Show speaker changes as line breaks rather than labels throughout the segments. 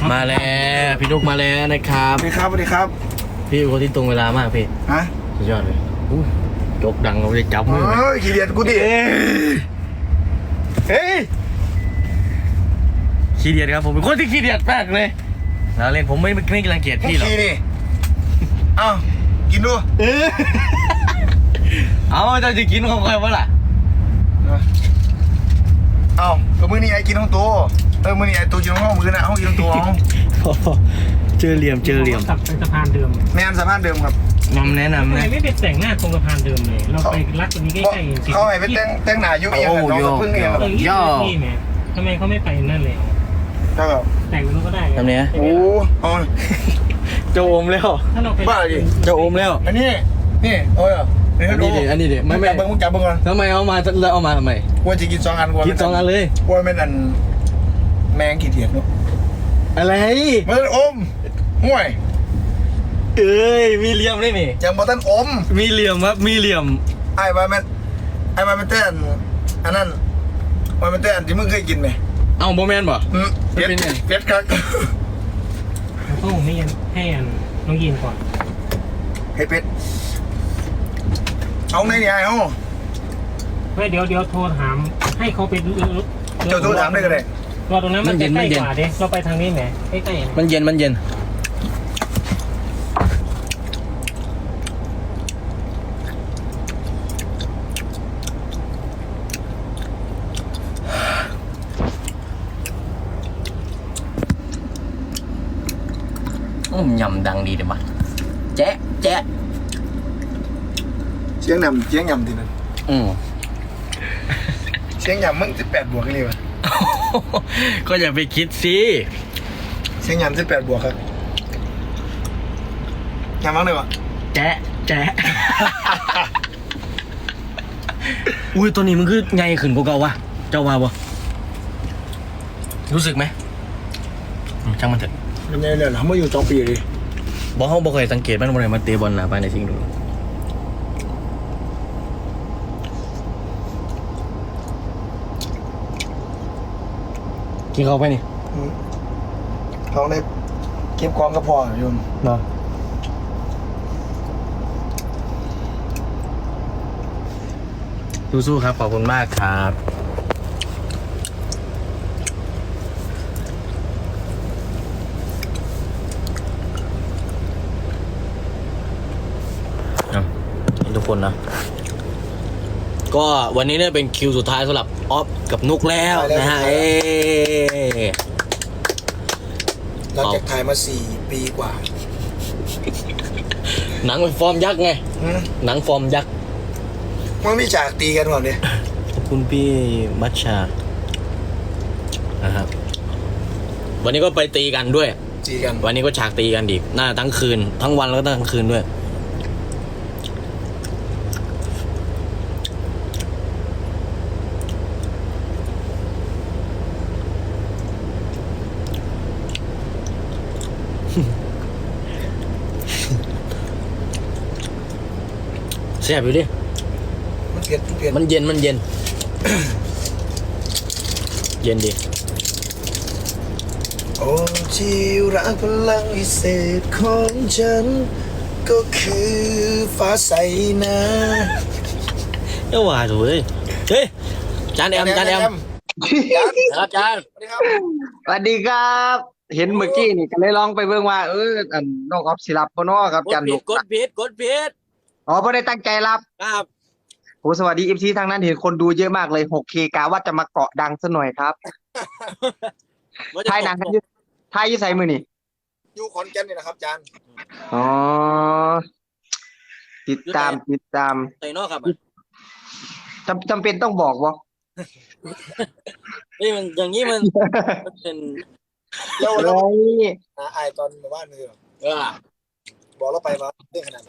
มาแล้วพี่นุกมาแล้วนะครับ
สวัสดีครับสวัสดีครับ
พี่เป็นคนที่ตรงเวลามากพี่
ฮะ
สุดยอดเลยจกดังเราจะจับมือ
ขี้เดียดกูดิเฮ้ย
ขี้เดียดครับผมเป็นคนที่ขี้เดียดมากเลยเราเล่นผมไม่รังเกียจพี่หรอก
ขี้นี่เอ้ากินดู
เอาจะกินของใครวะล่ะ
เอ้าก็มื้อนี้ไอ้กินของตัวมื้อนี้ไอ้ตัวกินของห้องมื้อน่ะห้องกินของตัว
เจอเหลี่ยม
กลับไปสะพานเดิม
แม่นสะพานเดิมครับ
นำแนะนำ
ทำไมไม่ไปแต่งหน้าตรงสะพานเดิมเลยเราไปรัดตรงนี้ใกล้ๆ
เขาให้ไปแต่งหน้าอยู่เองน้องพึ่งเอง
ย่อนี่แม่ทำไมเขาไม่ไปนั่นเลย
ก็
แต่งนู้นก็ได้
ทำเนี้ย
โอ้
จะอมแล้ว
ถ้าเราไป
บ้าดิ
จะอมแล้ว
อันนี้โอ้ย
อันนี้ดิไม่
จับเบิ้งก่อน
ทำไมเอามาแล้วเอามาทำไม
ว่าจะกิน2 อัน
กิน2 อันเลย
ว่าเป็นอันแมงขี้เดียดเนาะ
อะไร
มันอมห่วย
เอ้ยมีเหลี่ยมได้ไหม
ยังบ่ทันอม
มีเหลี่ยมครับมีเหลี่ยม
ไอ้ว่ามันเต้นอันนั้นว่ามันเต้นที่มึงเคยกินไหม
เอ้าโมแมนบ่
เป็ดครับ
เขาไม่ยันให้น้องยินก่อน
ให้เป็ดเอาไหนเนี่ยไอ้ห้อง
เดี๋ยวโทรถามให้เขาเป็น
เจ้าโทรถามได้ก็ได้
รอตรงนั้นมันใกล้กว่าเด้เราไปทางนี้ไหมใกล้ๆ
มันเย็นยำดังดีเดี๋ยวมาแจ๊ะ
เสียงยำทีนั้นเสียงยำมึง18 บวกเลยวะ
ก็อย่าไปคิดสิ
เสียงยำ18 บวกครับยำมั้งเลยวะ
แจ๊ะอุ้ยตัวนี้มันคือไงขึ้นกว่าเก่าวะเจ้าว่าบ่รู้สึกไหมช่างมันเถอะ
มันยังเนี่ยเขามาอยู่2 ปีเลย
บอกเขาบอกเคยสังเกตมันวันไหนมาเตะบอลนะไปในสิ่งดูกินเขาไปนี่
เขาได้เก็บของกระเพาะอยู่
เนาะสู้ๆครับขอบคุณมากครับทุกคนนะก็วันนี้เนี่ยเป็นคิวสุดท้ายสำหรับออฟกับนุกแล้วนะฮะ
หลังจากถ่ายมา4 ปีกว่า
หนังเป็นฟอร์มยักษ์ไงหนังฟอร์มยักษ์
มันมีฉากตีกันก่อนเนี่ย
ขอบคุณพี่มัชชานะครับวันนี้ก็ไปตีกันด้วยวันนี้ก็ฉากตีกันอีกน่าทั้งคืนทั้งวันแล้วก็ทั้งคืนด้วยแซ่บอยู่ดิ
มันเผ็ด
มันเย็น เย็นดิ
โอ้ที่รักพลังพิเศษของฉันก็คือฟ้าใสนะ
เอ้าว่าถูกเลยเฮ้ยจานแอมครับจาน
สวัสดีครับเห็นเมื่อกี้นี่ก็เลยลองไปเบิ่งว่าน้องออฟสิรับบ่เนาะครับจันทร์
กดผิด
อ๋อบ่ได้ตั้งใจรับ
ครับ
โหสวัสดี FC ทางนั้นเห็นคนดูเยอะมากเลย 6K กะว่าจะมาเกาะดังซะหน่อยครับถ่ายหนังกันอยู่ไสมื้อนี่
อยู่ขอนแก่นนี่นะครับจาน
อ๋อติดตาม
ไสเนาะครับ
จำเป็นต้องบอกบ่
นี่มันอย่างนี้มันเป็น
แล้วไอตอนบ้านนี่บอกเราไปว่าเรื่องขนาดไหน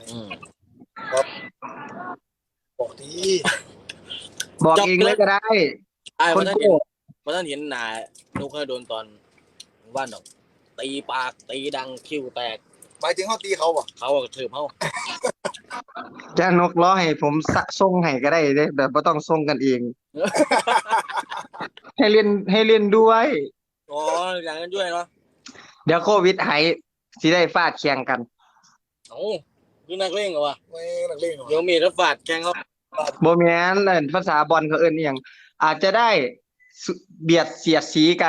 บอกดี
บอกเองเลยก็ได้
คนโก้มาท่านเห็นหนานุกเคยโดนตอนว่านดอกตีปากตีดังคิ้วแตก
หมายถึงเขาตีเขา
ถือเขา
จะนกล้อให้ผมส่งให้ก็ได้เด้แบบไม่ต้องส่งกันเองให้เล่นด้วย
อ๋ออย่างนั้นด้วยเนาะ
เดี๋ยวโควิดหายสิได้ฟาดแข่งกัน
โอ้คือนักเล่นเหรอวะ
ไม่นักเลงเหรอ
เดี๋ยวมีรถฝาดแกงเขา
โบแมนเล่นภาษาบอลเขาเอิ้นอหย่างอาจจะได้เบียดเสียดสีกัน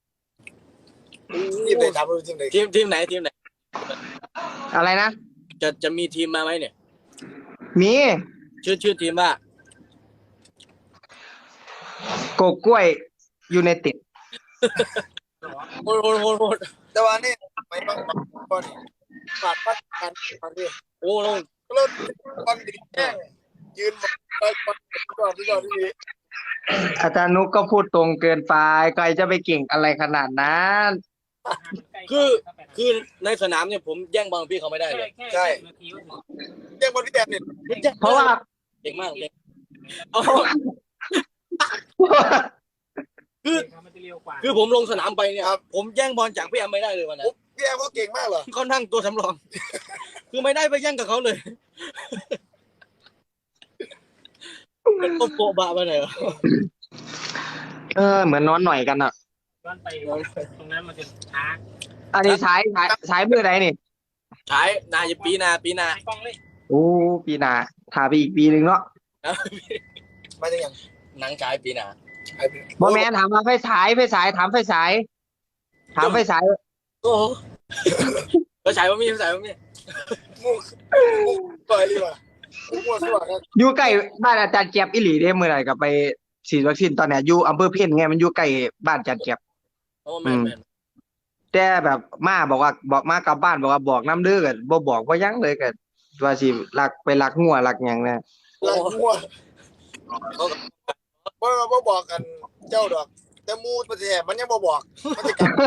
ทีมไหนทำรู้ทีมไหน
ทีมไหนทีมไหน
อะไรนะ
จะมีทีมมาไหมเนี่ย
มี
ชื่อทีมว่า
โกกล้วยยูไนเต็ด
โหด
แต่ว่านี่ไม่ต้องบอลฝาดปัดกันตอนนี้
โอ้ลง
ก็เริ่มบอลดีแย่งยืนบอลก่อนที่นี่
อาจารย์นุกก็พูดตรงเกินไปใครจะไปเก่งอะไรขนาดนั้น
คือในสนามเนี่ยผมแย่งบอลพี่เขาไม่ได้เลย
ใช่แย่งบอลพี่แดนเนี่ย
เพราะว่า
เก่งมากเลย คือผมลงสนามไปเนี่ยผมแย่งบอลจากพี่แอมไม่ได้เลยวันนั้น
พี่แอมเขาเก่งมากเหรอ
เขานั่งตัวสำรอง คือไม่ได้ไปแย่งกับเขาเลยเป็นโปะบะไปไหนวะ
เหมือนนอนหน่อยกันอ่ะ
ย้อนไปตรงนั้นมันจะช้า
อันนี้ใช้เมื่อไหร่นี่
ฉายนาจะปีนา
ไอ้กล้องเลย
โอ้ปีหน้าถ่ายไปอีกปีหนึ่งเนาะ
มาจากยัง
หนังฉายปีนา
บอแมนถามว่าไฟฉายถามไฟฉาย
โอ้โหก็ฉายว่ามีฉายว่ามี
มุกปล่อยเลยว่ะมุกมัวสว่างครับ
อยู่ใกล้บ้านอาจารย์เจี๊ยบอิหลีได้เมื่อไหร่กับไปฉีดวัคซีนตอนเนี้ยอยู่อำเภอเพี้ยนไงมันอยู่ใกล้บ้านอาจารย์เจี๊ยบ
โอ้แม่น
แต่แบบมาบอกมากลับบ้านบอกว่าบอกน้ำเด้อกันบ่บอกว่ายังเลยกันว่าสิลักงัวลักหยังนะ
หลังมัวว่าบอกกันเจ้าดอกแต่มูมันจะมันยังบอกมันจะกลับ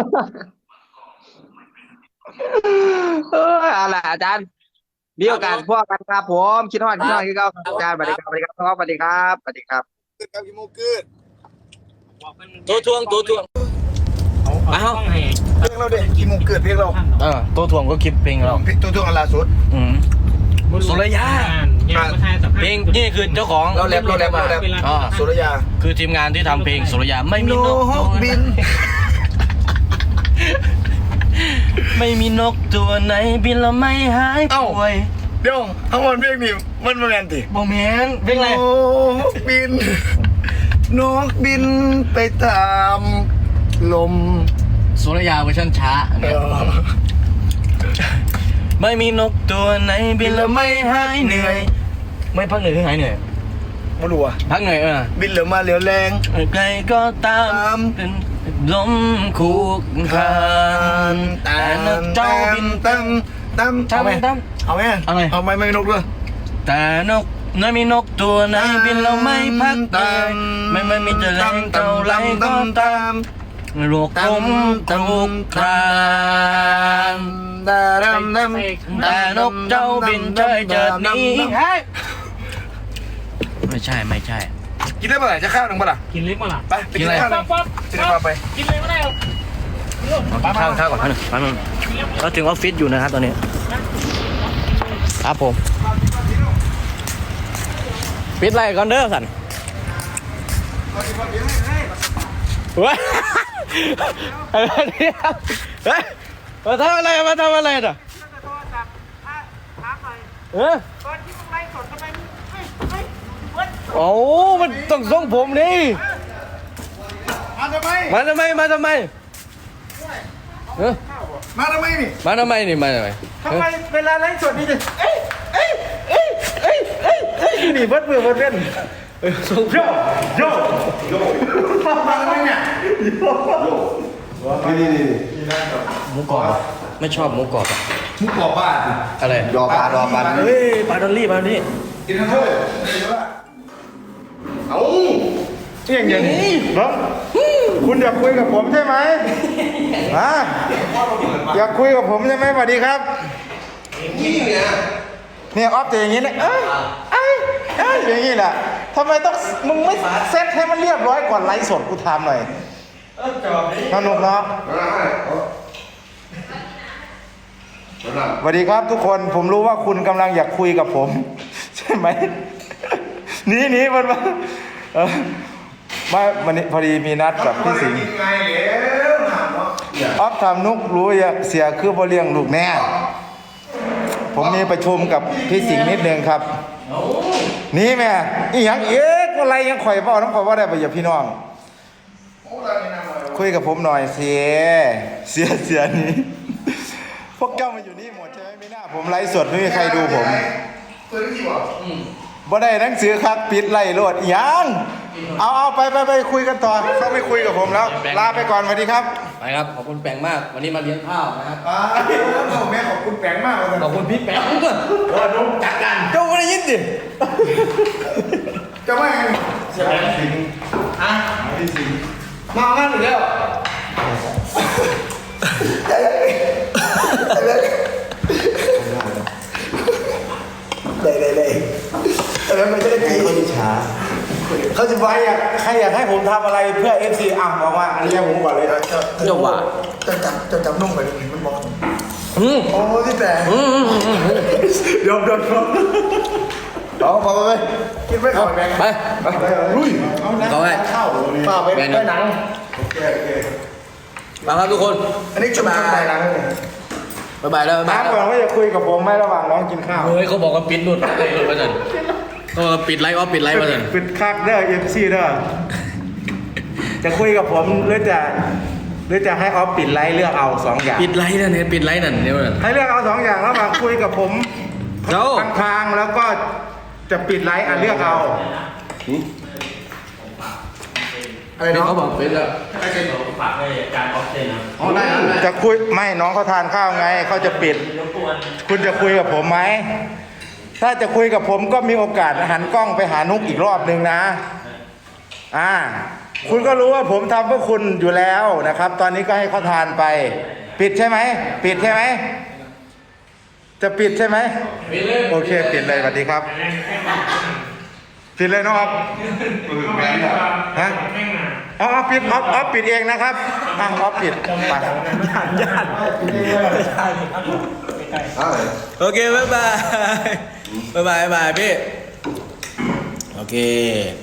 อะไรอาจารย์มีโอกาสพวกกันครับผมคิดฮอดคือเก่าครับอาจารย์สวัสดีครับสวัสดีครับสวัสดีครับสวัสดีครับ
ขึ้นครับพี่มูขึ้น
ตัวทวง
เอากล้องให้
เพลงเราเด็กพี่มูเกิดเพลงเรา
ตัวทวงก็คลิปเพลงเรา
ตัวอันล่าสุด
สุรยา เพลงนี่คือเจ้าของ
เราแรปสุรยา
คือทีมงานที่ทำเพลงสุรยาไม่มีนก
บิน
ไม่มีนกตัวไหนบินแล้วไม่หายป่วย
เดี๋ยวทั้งหมดเพลงนี่มันมาแมนติ
โมเมนเพลงอะไร
นกบินนกบินไปตามลม
สุรยาเวอร์ชันช้าไม่มีนกตัวไหนบินแล้วไม่หายเหนื่อย ไม่พักเหนื่อยหรือหายเหนื่อย
ไม่รู้อ่ะ
พักเหนื่อย
บินเหลือมาเหลียวแรง
ใครก็ตามเป็นลมคูกคานแต่นกเจ้าบิน
ตั้มเอาไหม
ตั้ม
เอาไหม
เอาไง
เอาไหมไม่นกด้วย
แต่นกไม่มีนกตัวไหนบินแล้วไม่พักเหนื่อยไม่มีจะแรงเท่าไรก็ตามโลกกลมคลุกคลานแต่นกเจ้าบินเฉยเจิดหนี้ไม่ใช่
กินได้เมื่อไหร่จะข้าวหนึ่งเมื่อไหร่
กินเล็กมาล่ะ
ไปกินข้าวหนึ่งจะได้มาไป
กินเลยไม่ได้หรอก
ข้าวก่อนหนึ่งเราถึงออฟฟิศอยู่นะครับตอนนี้ครับผมปิดไรก่อนเด้อสันเฮ้ยอะไรเนี่ยเฮ้ยมาทำอะไรน่ะโอ้มันต้องส่งผมนี่
มาทำไม
มาทำไมเออ
มาทำไมนี่
มาทำไมนี่
ทำไมเวลาไลฟ์สดนี่จะนี่เบิดมือเบิดเล่นโยมาทำไมเนี่ยนี่
หมูกรอบไม่ชอบหมูกรอบอะ
มุกกรอบบ้าน
อะไร
ดอปลา
เฮ้ยปลาดอลลี่
กินทั้งคู่เอ้าอย่างนี้น้องคุณอยากคุยกับผมใช่ไหมฮะอยากคุยกับผมใช่ไหมสวัสดีครับเนี่ยออฟจะอย่างนี้นะอย่างนี้แหละทำไมต้องมึงไม่เซ็ตให้มันเรียบร้อยก่อนไลฟ์สดกูถามหน่อยสนุกเนาะสวัสดีครับทุกคนผมรู้ว่าคุณกำลังอยากคุยกับผมใช่ไหมนี่มันมาวันนี้พอดีมีนัดกับพี่สิงห์ออฟทำนุกรู้อย่าเสียคือบ่เลี้ยงลูกแน่ผมมีประชุมกับพี่สิงห์นิดนึงครับนี่แม่อีหยังเอ๊ะอะไรยังข่อยเว้าน้องข่อยว่าได้บ่อย่าพี่น้องคุยกับผมหน่อยเสียนี้พวกเจ้ามาอยู่นี่หมดใช่ไหมไม่น่าผมไลฟ์สดไม่มีใครดูผมบ่ได้หนังสือครับปิดไล่โลดอีหยังเอาไปคุยกันต่อเขาไม่คุยกับผมแล้วลาไปก่อนสวัสดีครับ
ไปครับขอบคุณแปงมากวันนี้มาเลี้ยงข้าวนะครับ
แม่ขอบคุณแปงมากเลย
ขอบคุณพี่แปงด้วย
นุ๊กจัดการเจ้าไม่ได้ยินดิจะไม่เสียสิงพี่สิงมางั้นหรือแล้วได้แล้วมันจะได้ตีเขาช้าเขาจะว่าใครอยากให้ผมทำอะไรเพื่อ FC บอกว่าอันนี้ผมก่อนเลยนะ
จะว่า
จะจับนุ่มกว่านี้มันบอก โอ้ที่แต่ยอมเอาไปกินไม่ขอแบงไปลุยเอานะข้าวป้าไปหนังโอเค
มาครับทุกคน
อันนี้จุ่มไปหนังเลย
บ๊ายบายแล้วบ๊ายบาย
น้ำก่อนว่าจะคุยกับผมไหมระหว่างน้องกินข้าว
เฮ้ยเขาบอกว่าปิดหลุดมาสันเขาบอกปิดไลฟ์ออฟปิดไลฟ์มาสัน
ปิดคักเด้อ FC เด้อจะคุยกับผมหรือจะให้ออฟปิดไลฟ์เลือกเอา2อย่าง
ปิดไลฟ์นั่นเนี่ยปิดไลฟ์นั่นเนี่ยมัน
ให้เลือกเอา2อย่างระหว่างคุยกับผมทางแล้วก็จะปิดไลฟ์เลือกเอาอะไรน้องเขาบอกเป็นแล้วฝากให้การออฟเซนนะจะคุยไม่น้องเขาทานข้าวไงเขาจะปิดคุณจะคุยกับผมไหมถ้าจะคุยกับผมก็มีโอกาสหันกล้องไปหานุกอีกรอบนึงนะคุณก็รู้ว่าผมทำเพื่อคุณอยู่แล้วนะครับ ตอนนี้ก็ให้เขาทานไปปิดใช่ไหมปิดใช่ไหมจะปิดใช่ไหมโอเคปิดเลยสวัสดีครับปิดเลยน้องอ๊อฟฮะอ๋อปิดอ๊อฟปิดเองนะครับอ๊อฟปิดไปญาติ
โอเคบ๊ายบายพี่โอเค